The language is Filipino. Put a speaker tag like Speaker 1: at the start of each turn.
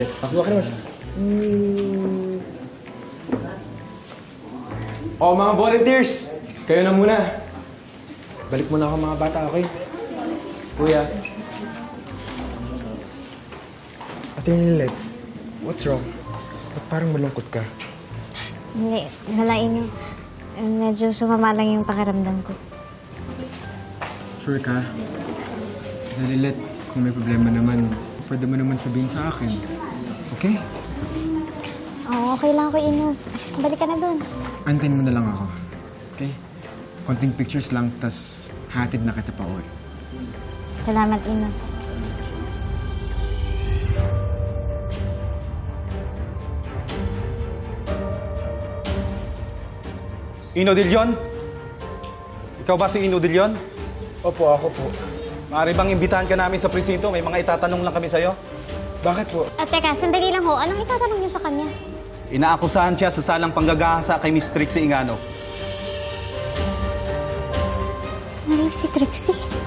Speaker 1: Ako ka naman. Oh, mga volunteers! Kayo na muna. Balik muna ako mga bata, okay? Kuya. Ate Nilet, what's wrong? Ba't parang malungkot ka?
Speaker 2: Hindi, nalain nyo. Medyo sumama lang yung pakiramdam ko.
Speaker 1: Sure ka? Nilet, kung may problema naman, pwede mo naman sabihin sa akin. Okay?
Speaker 2: Oo, okay lang ako, Ino. Balik ka na dun.
Speaker 1: Antayin mo na lang ako. Okay? Konting pictures lang, tas hatid na kita pa uwi.
Speaker 2: Salamat, Ino.
Speaker 3: Ino De Leon? Ikaw ba si Ino De Leon?
Speaker 1: Opo, ako po.
Speaker 3: Maaari bang imbitahan ka namin sa presinto? May mga itatanong lang kami sa'yo.
Speaker 1: Bakit po?
Speaker 2: Teka, sandali lang ho. Anong itatanong nyo sa kanya?
Speaker 3: Inaakusahan siya sa salang panggagahasa kay Miss Trixie Ingano.
Speaker 2: Narip si Trixie.